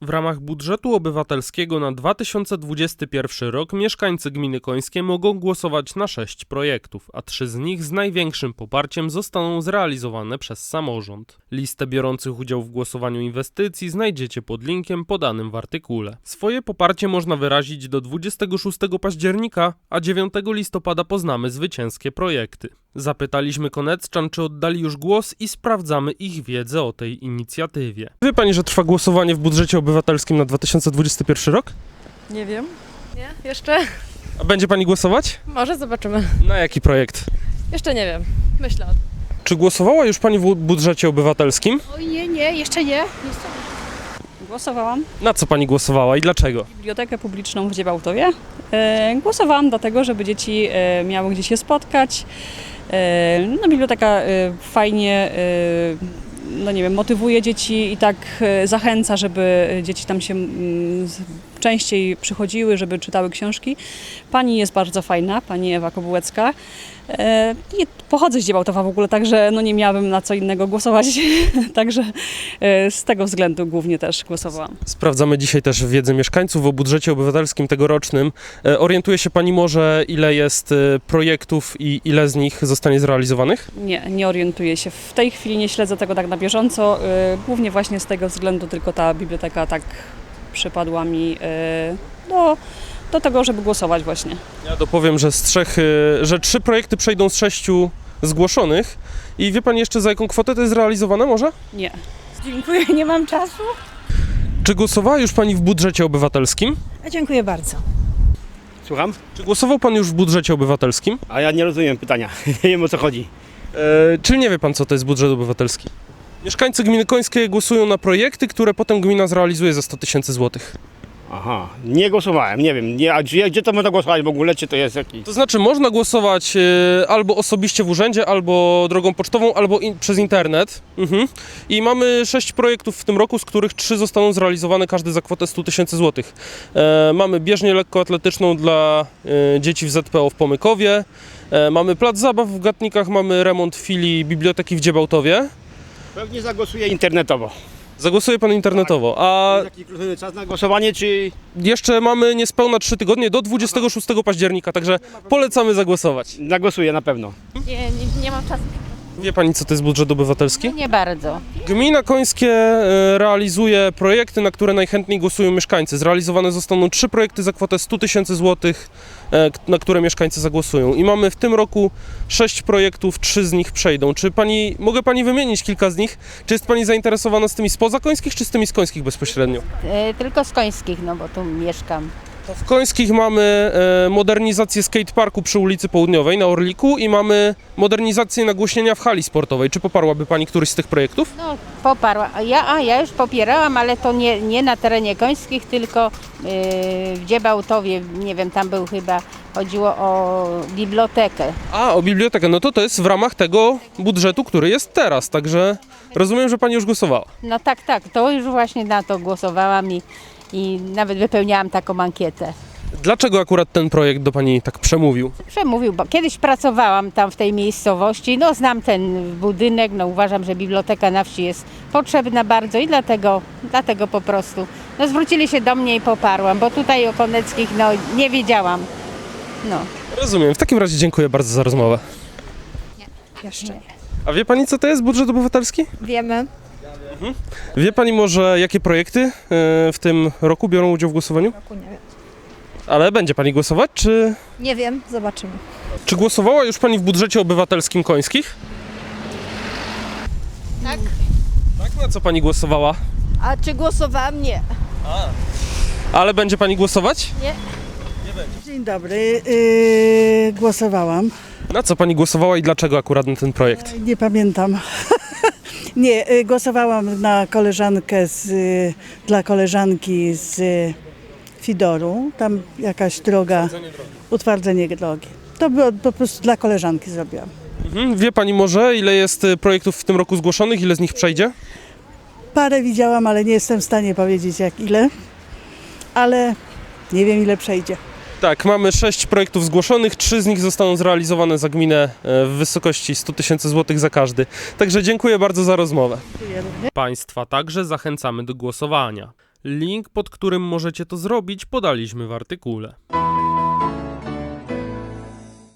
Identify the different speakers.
Speaker 1: W ramach budżetu obywatelskiego na 2021 rok mieszkańcy gminy Końskie mogą głosować na 6 projektów, a 3 z nich z największym poparciem zostaną zrealizowane przez samorząd. Listę biorących udział w głosowaniu inwestycji znajdziecie pod linkiem podanym w artykule. Swoje poparcie można wyrazić do 26 października, a 9 listopada poznamy zwycięskie projekty. Zapytaliśmy Koneczczan, czy oddali już głos i sprawdzamy ich wiedzę o tej inicjatywie. Wie pani, że trwa głosowanie w budżecie obywatelskim na 2021 rok?
Speaker 2: Nie wiem. Nie, jeszcze?
Speaker 1: A będzie pani głosować?
Speaker 2: Może zobaczymy.
Speaker 1: Na jaki projekt?
Speaker 2: Jeszcze nie wiem. Myślę o tym.
Speaker 1: Czy głosowała już pani w budżecie obywatelskim?
Speaker 3: Oj, nie, jeszcze nie.
Speaker 4: Głosowałam
Speaker 1: Na co pani głosowała i dlaczego?
Speaker 4: w Bibliotekę Publiczną w Dziebałtowie. Głosowałam dlatego, żeby dzieci miały gdzie się spotkać. No, biblioteka fajnie no nie wiem, motywuje dzieci i tak zachęca, żeby dzieci tam się częściej przychodziły, żeby czytały książki. Pani jest bardzo fajna, pani Ewa Kobułecka. Pochodzę z Dziebałtowa w ogóle, także no nie miałabym na co innego głosować, także z tego względu głównie też głosowałam.
Speaker 1: Sprawdzamy dzisiaj też wiedzę mieszkańców o budżecie obywatelskim tegorocznym. Orientuje się pani może, ile jest projektów i ile z nich zostanie zrealizowanych?
Speaker 4: Nie orientuję się. W tej chwili nie śledzę tego tak na bieżąco, głównie właśnie z tego względu tylko ta biblioteka tak przypadła mi do tego, żeby głosować właśnie.
Speaker 1: Ja dopowiem, że że 3 projekty przejdą z 6 zgłoszonych. I wie pani jeszcze, za jaką kwotę to jest realizowane może?
Speaker 4: Nie.
Speaker 3: Dziękuję, nie mam czasu.
Speaker 1: Czy głosowała już pani w budżecie obywatelskim?
Speaker 3: Dziękuję bardzo.
Speaker 5: Słucham?
Speaker 1: Czy głosował pan już w budżecie obywatelskim?
Speaker 5: A ja nie rozumiem pytania. Nie wiem, o co chodzi.
Speaker 1: Czyli nie wie pan, co to jest budżet obywatelski? Mieszkańcy gminy Końskie głosują na projekty, które potem gmina zrealizuje za 100 000 złotych.
Speaker 5: Aha, nie głosowałem, nie wiem. A gdzie to można głosować w ogóle, czy to jest jakiś...
Speaker 1: To znaczy można głosować albo osobiście w urzędzie, albo drogą pocztową, albo przez internet. I mamy 6 projektów w tym roku, z których 3 zostaną zrealizowane, każdy za kwotę 100 000 złotych. Mamy bieżnię lekkoatletyczną dla dzieci w ZPO w Pomykowie, mamy plac zabaw w Gatnikach, mamy remont filii biblioteki w Dziebałtowie.
Speaker 5: Pewnie zagłosuję internetowo.
Speaker 1: Zagłosuje pan internetowo, a
Speaker 5: Jest jakiś czas na głosowanie, czy...
Speaker 1: jeszcze mamy niespełna 3 tygodnie do 26 października, także polecamy zagłosować.
Speaker 5: Zagłosuję na pewno.
Speaker 3: Nie mam czasu.
Speaker 1: Wie pani, co to jest budżet obywatelski?
Speaker 6: Nie bardzo.
Speaker 1: Gmina Końskie realizuje projekty, na które najchętniej głosują mieszkańcy. Zrealizowane zostaną 3 projekty za kwotę 100 000 złotych, na które mieszkańcy zagłosują. I mamy w tym roku 6 projektów, 3 z nich przejdą. Mogę pani wymienić kilka z nich? Czy jest pani zainteresowana z tymi spoza Końskich, czy z tymi z Końskich bezpośrednio?
Speaker 6: Tylko z Końskich, no bo tu mieszkam.
Speaker 1: W Końskich mamy modernizację skateparku przy ulicy Południowej na Orliku i mamy modernizację nagłośnienia w hali sportowej. Czy poparłaby pani któryś z tych projektów?
Speaker 6: No, poparła. Ja już popierałam, ale to nie na terenie Końskich, tylko w Dziebałtowie, nie wiem, tam chodziło o bibliotekę.
Speaker 1: O bibliotekę. No to jest w ramach tego budżetu, który jest teraz, także rozumiem, że pani już głosowała.
Speaker 6: No tak, to już właśnie na to głosowałam i nawet wypełniałam taką ankietę.
Speaker 1: Dlaczego akurat ten projekt do pani tak przemówił?
Speaker 6: Przemówił, bo kiedyś pracowałam tam w tej miejscowości, no znam ten budynek, no uważam, że biblioteka na wsi jest potrzebna bardzo i dlatego po prostu zwrócili się do mnie i poparłam, bo tutaj o Koneckich nie wiedziałam. No.
Speaker 1: Rozumiem. W takim razie dziękuję bardzo za rozmowę.
Speaker 3: Jeszcze nie.
Speaker 1: A wie pani, co to jest budżet obywatelski?
Speaker 3: Wiemy.
Speaker 1: Wie pani może, jakie projekty w tym roku biorą udział w głosowaniu?
Speaker 3: Nie wiem.
Speaker 1: Ale będzie pani głosować, czy...
Speaker 3: Nie wiem, zobaczymy.
Speaker 1: Czy głosowała już pani w budżecie obywatelskim Końskich?
Speaker 3: Tak.
Speaker 1: Tak? Na co pani głosowała?
Speaker 3: A czy głosowałam? Nie.
Speaker 1: Ale będzie pani głosować?
Speaker 7: Dzień dobry, głosowałam.
Speaker 1: Na co pani głosowała i dlaczego akurat na ten projekt?
Speaker 7: Nie pamiętam. Nie, głosowałam na koleżankę dla koleżanki z Fidoru. Tam jakaś droga, utwardzenie drogi. To było po prostu dla koleżanki zrobiłam.
Speaker 1: Wie pani może, ile jest projektów w tym roku zgłoszonych, ile z nich przejdzie?
Speaker 7: Parę widziałam, ale nie jestem w stanie powiedzieć ile. Ale nie wiem, ile przejdzie.
Speaker 1: Tak, mamy 6 projektów zgłoszonych, 3 z nich zostaną zrealizowane za gminę w wysokości 100 000 złotych za każdy. Także dziękuję bardzo za rozmowę. Państwa także zachęcamy do głosowania. Link, pod którym możecie to zrobić, podaliśmy w artykule.